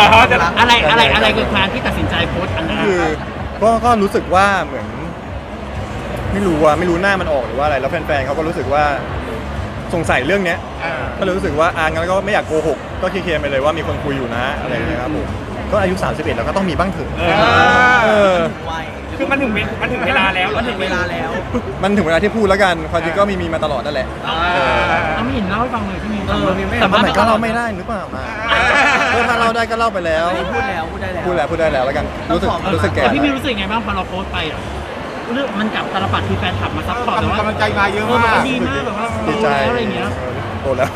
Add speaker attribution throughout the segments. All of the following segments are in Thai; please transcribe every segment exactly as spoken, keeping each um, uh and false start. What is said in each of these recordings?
Speaker 1: อะไรอะไรอะไรคือการที่ตัดสินใจโพสต์อันนั้น
Speaker 2: คือก็ก็รู้สึกว่าเหมือนไม่รู้ว่าไม่รู้หน้ามันออกหรือว่าอะไรแล้วแฟนๆเขาก็รู้สึกว่าสงสัยเรื่องเนี้ยก็เลยรู้สึกว่าอ่างั้นก็ไม่อยากโกหกก็เคลียร์ไปเลยว่ามีคนคุยอยู่นะอะไรอย่างเงี้ยครับผมก็อายุสามสิบเอ็ดแล้วก็ต้องมีบ้างเถอะเออ
Speaker 3: คือมันถึงมันถึงเวลาแล้วมันถึงเวลาแล้ว
Speaker 2: มันถึงเวลาที่พูดแล้วกันความจริงก็มีมีมาตลอดนั่นแหละ
Speaker 1: เอาไม่เห็นเล่าให้ฟังเลยที่มี
Speaker 2: แต่มันก็เล่าไม่ได้หรือเปล่ามาถ้าเล่าได้ก็เล่าไปแล้ว
Speaker 4: พูดแล้วพูดได้แล้ว
Speaker 2: พูดแล้วพูดได้แล้วแล้วกันรู้สึกรู้สึกแก่
Speaker 1: พี่มีรู้สึกไงบ้างพอเราโพสต์ไปอ่ะเรื่องมันกับตลปัดคือแฟนคลับมาซัพพอร์ตแต่ว่าก
Speaker 3: ำลังใจมาเยอะมาก
Speaker 1: ดีมากแบบว่า
Speaker 2: ดีใจ
Speaker 1: อะไรเงี้ย
Speaker 2: โตแล้ว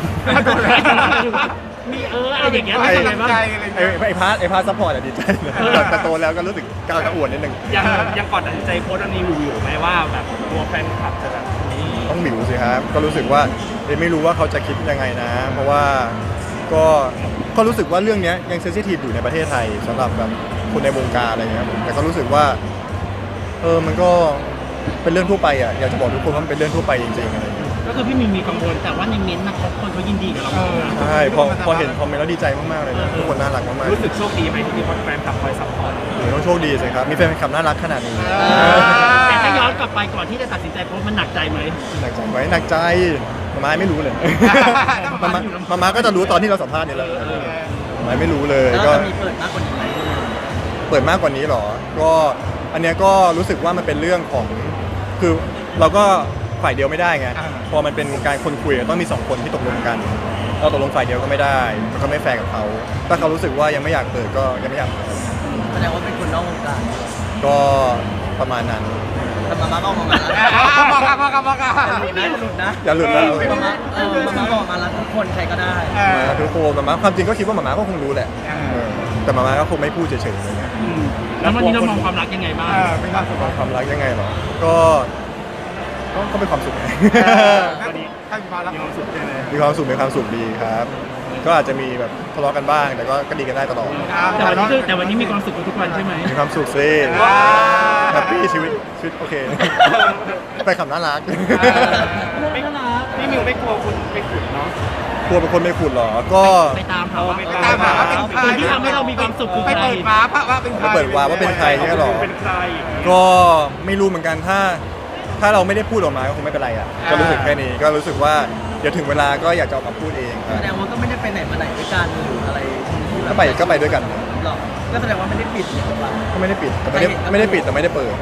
Speaker 1: มีเอออะไรอย่างเงี้ยไม่ใช่ไงบ้าง
Speaker 2: ไอ้ไอ้พาร์ทไอ้พาร์ทซัพพอร์ตอะดีใจแต่โตแล้วก็รู้สึกก้าวกระอ่วนนิดนึง
Speaker 3: ยังยังก่อนตัดสินใจโพสต์อันนี้อยู่ไหมว่าแบบตัวแฟนคลับจะแบบนี้
Speaker 2: ต้องหมิวสิครับก็รู้สึกว่าไม่รู้ว่าเขาจะคิดยังไงนะเพราะว่าก็ก็รู้สึกว่าเรื่องนี้ยังเซนซิทีฟอยู่ในประเทศไทยสำหรับแบบคนในวงการอะไรเงี้ยแต่ก็รู้สึกว่าเออมันก็เป็นเรื่องทั่วไปอ่ะอยากจะบอกทุกคนว่ามันเป็นเรื่องทั่วไปจริงๆอะไร
Speaker 1: ก็คือพี่มีมีกังวลแต่ว่าในเม้นต์นะเขาคนเขายินดีกับเรา
Speaker 2: ใช่พอพอเห็นคอมเมนต์แล้วดีใจมากๆเลยนะทุกคนน่ารักมากๆ
Speaker 3: รู้สึกโชคดีไหมที่มีแฟนคลับคอยซัพพอร์ต
Speaker 2: ต้องโชคดีสิครับมีแฟนคลับน่ารักขนาดนี้
Speaker 1: แต่ถ้าย้อนกลับไปก่อนที่จะตัดสินใจโพสต์มันหนักใจไหม
Speaker 2: หนักใจไหมหนักใจมาม่าไม่รู้เลยมาม่ามาม่าก็จะรู้ตอนที่เราสัมภาษณ์นี่แหละมาม่าไม่รู้เลย
Speaker 4: ก็มีเปิดมากกว่านี้ไหม
Speaker 2: เปิดมากกว่านี้หรอก็อันเนี้ยก็รู้สึกว่ามันเป็นเรื่องของคือเราก็ฝ่ายเดียวไม่ได้ไงพอมันเป็นการคนคุยต้องมีสองคนที่ตกลงกันเราตกลงฝ่ายเดียวก็ไม่ได้มันก็ไม่แฟร์กับเขาถ้าเขารู้สึกว่ายังไม่อยากเปิดก็ยังไม่อยากเปิด
Speaker 4: แสดงว่าเป็นคนนอกวงการ
Speaker 2: ก็ประมาณนั้น
Speaker 4: แต่มาม่าบอกมาแล้ว
Speaker 3: บอกกันบอกกันบอกกัน
Speaker 4: อย่าหลุดนะ
Speaker 2: อย่าหลุดนะ
Speaker 4: มาม่าเออมาม่าบอกมาแล้วทุกคนใครก็ได้
Speaker 2: มาทุกคนมาม่าความจริงก็คิดว่ามาม่าก็คงรู้แหละแต่มาม่าก็คงไม่พูดเฉยๆอะไรเงี้ย
Speaker 1: แล้ววันนี้เรามองความรักยังไงบ้าง
Speaker 3: เป็นความสุข
Speaker 2: ความรักยังไงหรอก็ก็เป็นความสุขไง
Speaker 3: วันนี้ถ้ามีความรักมีความสุขเลย
Speaker 2: มีความสุขมีความสุขดีครับก็อาจจะมีแบบทะเลาะกันบ้างแต่ก็ก็ดีกันได้ตลอด
Speaker 1: แต่วันนี้คือแต่วันนี้มีความสุขทุกวันใช่ไหม
Speaker 2: มีความสุขสิแฮปปี้ชีวิตชีวิตโอเคไปขับน่ารัก
Speaker 1: ไม่น่ารัก
Speaker 3: พี่มิวไม่กลัวคุณไปขุดเนาะ
Speaker 2: กลัวเป็นคนไม่ขุดหรอก็
Speaker 1: ไปตามเขา
Speaker 3: ไปตามหา
Speaker 1: คนที่ทำให้เรามีความสุขคือใคร
Speaker 3: ไปเปิดวาร์ปว่าเป็นใคร
Speaker 2: เปิดวาร์ปว่าเป็นใครใช่หรอก็ไม่รู้เหมือนกันถ้าถ้าเราไม่ได้พูดออกมาก็คงไม่เป็นไรอ่ะก็รู้สึกแค่นี้ก็รู้สึกว่าเดี๋ยวถึงเวลาก็อยากจะออกมาพูดเอง
Speaker 4: แสดงว่าก็ไม่ได้ไปไหนมาไหนด้วยกันหรืออะไร
Speaker 2: ก็ไปก็ไปด้วยกัน
Speaker 4: หรอก็แสดงว่าไม่ได้ปิด
Speaker 2: ก็ไม่ได้ปิดแต่ไม่ได้ไม่ได้ปิดแต่ไม่ได้เปิด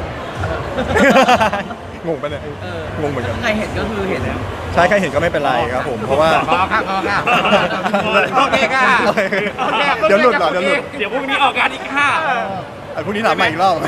Speaker 2: งงปะเนี่ยงงเหมือนกัน
Speaker 4: ใครเห็นก็คือเห็นแล้ว
Speaker 2: ใช่ใครเห็นก็ไม่เป็นไรครับผมเพราะว่า
Speaker 3: พอค่ะพอค่ะโอเคค่ะ
Speaker 2: เดี๋ยวหลุดเหรอเดี๋ยวหลุด
Speaker 3: เดี๋ยวพรุ่งนี้ออกงานอีกค่ะ
Speaker 2: ไอ้พรุ่งนี้ถามใหม่อีกรอบ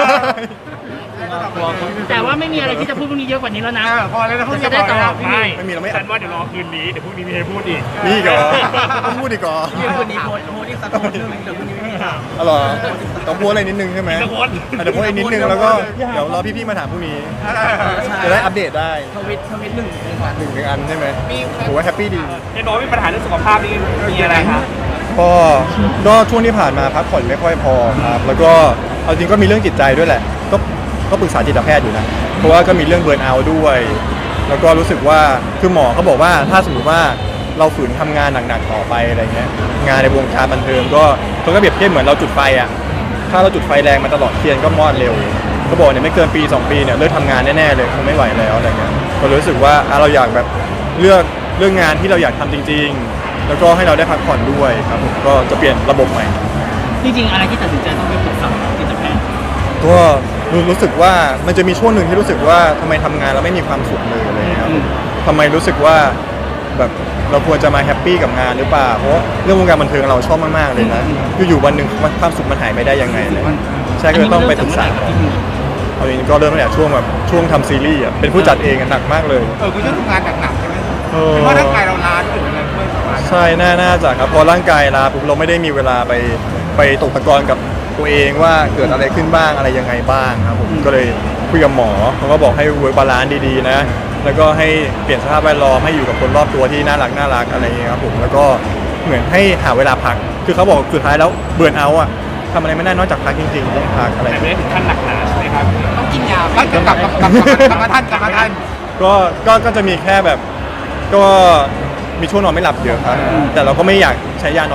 Speaker 1: แต่ว่าไม่มีอะไรที่จะพูดพรุ่งนี้เยอะกว่านี้แล้วนะ
Speaker 3: พอแล้วนะพรุ่งนี้
Speaker 1: จะได้ตลอด
Speaker 3: ไม่ไม่มีเราไม่ฉันว่าเดี๋ยวรอคืนนี้เดี๋ยวพรุ่งนี้มีให้พูดอีก
Speaker 2: มีอีกเหรอต้องพูดอีกเหรอ
Speaker 4: เดี๋ยวพรุ่งนี้โพสโพสอีกสักคนนึงเดี๋ยวพรุ่งนี้ไม่ให้ถาม
Speaker 2: อ๋อเหรอต้องพูดอะไรนิดนึงใช่ไหมเดี๋ยวพูดอีกนิดนึงแล้วก็เดี๋ยวรอพี่ๆมาถามพรุ่งนี้จะได้อัปเดตได้
Speaker 4: ทวิตทวิตหนึ่งหนึ่ง
Speaker 2: หนึ่งอันใช่ไหมผมว่าแฮปปี้ดี
Speaker 3: เห็นบอกว่ามีปัญหาเรื่องสุขภาพนี่มีอะไรครับ
Speaker 2: ก็ก็ช่วงที่ผ่านมาพักผ่อนไม่ค่อยพอครับแล้วก็เอาจริงก็มีเรื่องจิตใจด้วยแหละก็ก็ปรึกษาจิตแพทย์อยู่นะเพราะว่าก็มีเรื่องเบิร์นเอาท์ด้วยแล้วก็รู้สึกว่าคือหมอเขาบอกว่าถ้าสมมติว่าเราฝืนทำงานหนักๆต่อไปอะไรเงี้ยงานในวงการบันเทิงก็เขาก็เปรียบเทียบเหมือนเราจุดไฟอ่ะถ้าเราจุดไฟแรงมาตลอดเทียนก็มอดเร็วเขาบอกเนี่ยไม่เกินปีสองปีเนี่ยเลิกทำงานแน่ๆเลยคงไม่ไหวแล้วอะไรเงี้ยก็รู้สึกว่าเราอยากแบบเลือกเรื่องงานที่เราอยากทำจริงๆแล้วก็ให้เราได้พักผ่อนด้วยครับผมก็จะเปลี่ยนระบบใหม่
Speaker 1: จริงๆอะไรที่ตัดสินใจต้องไปปรึกษาจิตแพทย์
Speaker 2: ก็รู้สึกว่ามันจะมีช่วงหนึ่งที่รู้สึกว่าทำไมทำงานเราไม่มีความสุขเลยอะไรครับทำไมรู้สึกว่าแบบเราควรจะมาแฮปปี้กับงานหรือเปล่าเพราะเรื่องวงการบันเทิงเราชอบมากๆเลยนะคืออยู่วันหนึ่งความสุขมันหายไปได้ยังไงเลยใช่ก็ต้องไปศึกษาเอาจริงก็เริ่มตั้งแต่ช่วงแบบช่วงทำซีรีส์อ่ะเป็นผู้จัดเองหนักมากเลย
Speaker 3: เออคุณต้องทำงานหนักๆใช่ไหมเพราะร่างกายเราล้าขึ้นอะไรด้วย
Speaker 2: ใช่น่าน่าจะครับพอร่างกายล้าปุ๊บเราไม่ได้มีเวลาไปไปตกตะกอนกับตัวเองว่าเกิดอะไรขึ้นบ้างอะไรยังไงบ้างครับผมก็เลยคุยกับหมอเขาก็บอกให้เวิร์กบาลานซ์ดีๆนะแล้วก็ให้เปลี่ยนสภาพแวดล้อมให้อยู่กับคนรอบตัวที่น่ารักน่ารักอะไรอย่างเงี้ยครับผมแล้วก็เหมือนให้หาเวลาพักคือเขาบอกสุดท้ายแล้วเบื่อเอาท์อ่ะทำอะไรไม่ได้นอกจากพักจริงๆต้องพักอะไร
Speaker 3: แต่ไม่ได้ถึงขั้นหนักหนาใช่ไหมครับต้องกินยาต้องกลับกลับกลับมาท่านกลับมาท่าน
Speaker 2: ก็ก็ก็จะมีแค่แบบก็มีช่วงนอนไม่หลับเยอะครับแต่เราก็ไม่อยากใช้ยานอนหลับ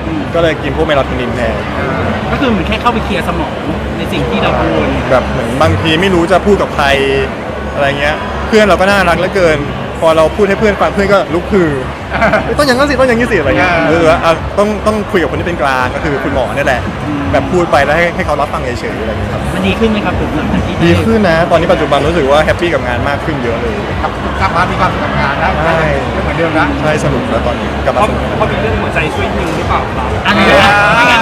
Speaker 2: ก็เลยกินพวกเมลาโทนินแทน
Speaker 1: ก็คือเหมือนแค่เข้าไปเคลียร์สมองในสิ่งที่เรากังวล
Speaker 2: แบบเหมือนบางทีไม่รู้จะพูดกับใครอะไรเงี้ย เพื่อนเราก็น่ารักเหลือเกิน พอเราพูดให้เพื่อนฟังเพื่อนก็ลุกคือเอ้ยต้องอย่างนั้นสิต้องอย่างนี้สิอะไรเงี้ยหรือว่าอ่ะต้องต้องคุยกับคนที่เป็นกลางก็คือคุณหมอเนี่ยแหละ แบบพูดไปแล้วให้ให้เขารับฟังเฉยๆอะไรเงี้ยครับ
Speaker 1: มันดีขึ้นไหมครับผมหลังจากที่
Speaker 2: ดีขึ้นนะ ตอนนี้ปัจจุบันรู้สึกว่าแฮปปี้กับงานมากขึ้นเยอะเลย
Speaker 5: กลับมามีความสุขกับงานแล้ว
Speaker 2: ใช่
Speaker 5: ไม่เหมือนเดิมนะ
Speaker 2: ใช่สนุกแล้วตอนนี้กลับ
Speaker 3: เพ
Speaker 2: มา
Speaker 3: ราะ
Speaker 2: สนุก
Speaker 3: เพราะมีเรื่องหัวใจช่วยยิงหรือเปล่าครับ
Speaker 1: อะไรนะ